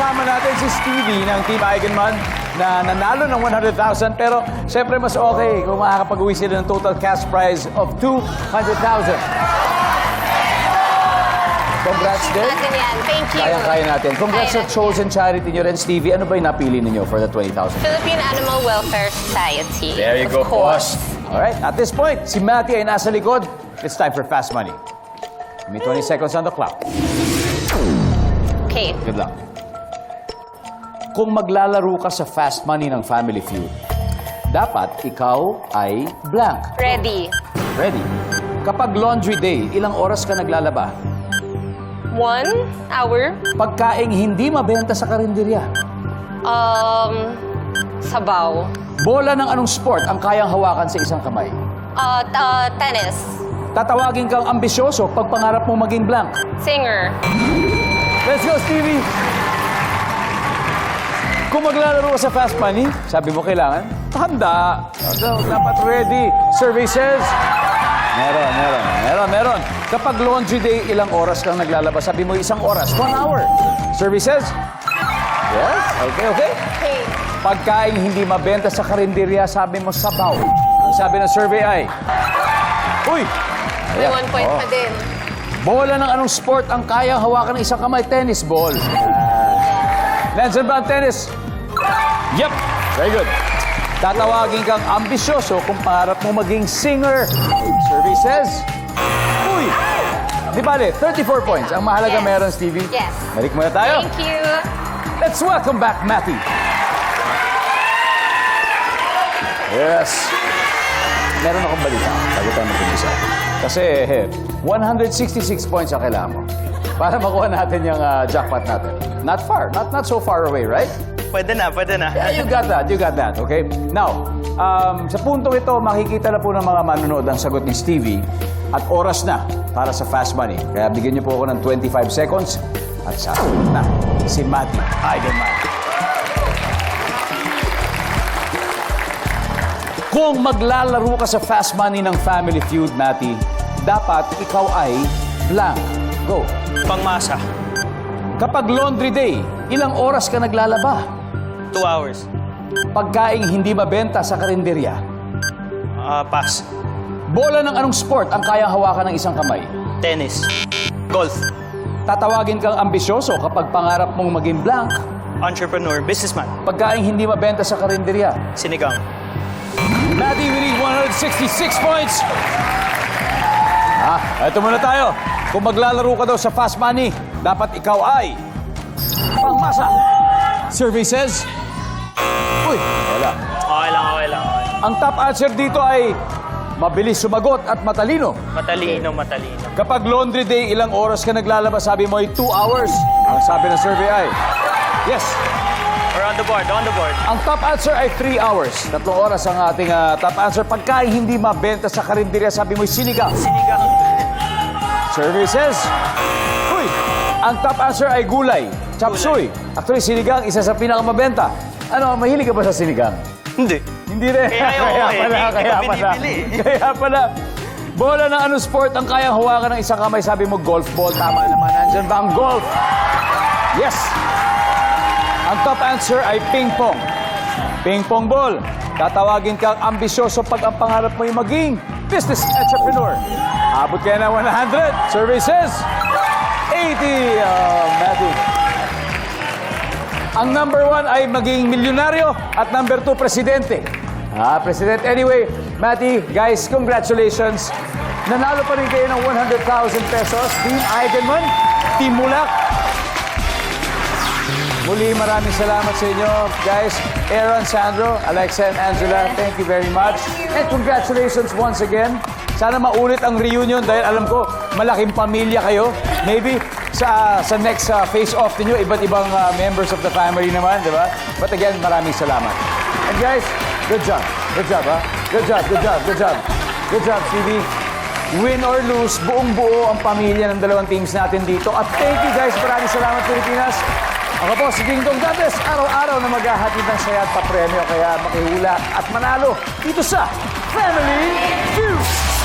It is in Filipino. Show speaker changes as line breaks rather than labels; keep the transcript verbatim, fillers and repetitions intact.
kasama natin si Stevie ng Team Eigenman na nanalo ng one hundred thousand. Pero siyempre mas okay kung makakapag-uwi sila ng total cash prize of two hundred thousand. Congrats din.
Natin yan. Thank you.
Kaya-kaya natin. Congrats
Kaya
sa
natin
chosen charity nyo rin, Stevie. Ano ba yung napili ninyo for the twenty thousand?
Philippine Animal Welfare Society.
There you
of
go,
course.
boss. Alright, at this point, si Matty ay nasa likod. It's time for Fast Money. Give me twenty seconds on the clock.
Okay.
Good luck. Kung maglalaro ka sa Fast Money ng Family Feud, dapat ikaw ay blank.
Ready.
Ready? Kapag laundry day, ilang oras ka naglalaba?
One hour.
Pagkaing hindi mabenta sa karinderya.
Um, sabaw.
Bola ng anong sport ang kayang hawakan sa isang kamay?
Uh, t- uh, tennis.
Tatawagin kang ambisyoso pag pangarap mong maging blank.
Singer.
Let's go, Stevie! Kung maglalaro ka sa Fast Money, sabi mo kailangan, handa. So, dapat ready. Services. Meron, meron, meron, meron. Kapag laundry day, ilang oras kang naglalabas? Sabi mo isang oras, one hour. Services? Yes? Okay, okay.
Okay.
Pagkain hindi mabenta sa karinderya, sabi mo sabaw. Ang sabi ng survey ay, uy!
May
Ayan.
one point
Oh.
pa din.
Bola ng anong sport ang kayang hawakan ng isang kamay? Tennis ball. Nandiyan ba ang tennis? Yep. Very good. Tatawagin kang ambisyoso kung pangarap mo maging singer. Services? Uy! Di bale, thirty-four points. Ang mahalaga
Yes.
meron, Stevie.
Yes.
Balik muna tayo.
Thank you.
Let's welcome back Matty. Yes. Meron akong balita bago tayo mag-umpisa. Kasi one hundred sixty-six points ang kailangan mo para makuha natin yung ah, jackpot natin. Not far. Not not so far away, right?
Pwede na, pwede na.
Yeah, you got that. You got that. Okay? Now, um, sa puntong ito, makikita na po ng mga manonood ang sagot ni Stevie at oras na para sa Fast Money. Kaya bigyan niyo po ako ng twenty-five seconds at sa na si Matty Eigenman. Kung maglalaro ka sa Fast Money ng Family Feud, Matty, dapat ikaw ay blank. Go.
Pangmasa.
Kapag laundry day, ilang oras ka naglalaba?
Two hours.
Pagkaing hindi mabenta sa karinderya.
Ah, pass.
Bola ng anong sport ang kayang hawakan ng isang kamay?
Tennis. Golf.
Tatawagin kang ambisyoso kapag pangarap mong maging blank.
Entrepreneur. Businessman.
Pagkaing hindi mabenta sa karinderya.
Sinigang.
Matty, we need one hundred sixty-six points. Ah, eto muna tayo. Kung maglalaro ka daw sa Fast Money, dapat ikaw ay pangmasa. Services? Uy, wala.
Okay lang, okay lang. Okay.
Ang top answer dito ay mabilis sumagot at matalino.
Matalino, matalino.
Kapag laundry day, ilang oras ka naglalaba? Sabi mo ay two hours. Ang sabi ng survey ay, yes.
Or on the board, on the board.
Ang top answer ay three hours. Tatlong oras ang ating ah, top answer. Pagkain hindi mabenta sa karinderya, sabi mo ay sinigang.
Sinigang.
Services? Uy! Ang top answer ay gulay. Chop suey. Actually, sinigang, isa sa pinakamabenta. Ano, mahilig ka ba sa sinigang?
Hindi.
Hindi rin.
Kaya ako
kaya
eh.
pala,
Hindi
kaya
ko
pala.
binibili.
Kaya pala. Bola ng anong sport ang kayang hawakan ng isang kamay? Sabi mo, golf ball. Tama naman. Nandyan ba ang golf? Yes. Ang top answer ay ping pong. Ping pong ball. Tatawagin kang ambisyoso pag ang pangarap mo yung maging business entrepreneur. Abot kaya na one hundred. Services? eighty. Oh, Matty. Ang number one ay maging milyonaryo at number two, presidente. Ah, president. Anyway, Matty, guys, congratulations. Nanalo pa rin kayo ng one hundred thousand pesos. Team Eigenman, Team Mulak. Muli, maraming salamat sa inyo, guys. Aaron, Sandro, Alexa, and Angela, thank you very much. And congratulations once again. Sana maulit ang reunion dahil alam ko, malaking pamilya kayo. Maybe sa sa next uh, face-off ninyo, iba't ibang uh, members of the family naman, di ba? But again, maraming salamat. And guys, good job. Good job, ha? Good job, good job, good job. Good job, Stevie. Win or lose, buong-buo ang pamilya ng dalawang teams natin dito. At thank you, guys. Maraming salamat, Pilipinas. Ako po, si Ding Dong Dantes, araw-araw na maghahatid ng saya at papremyo. Kaya makihula at manalo dito sa Family Feud.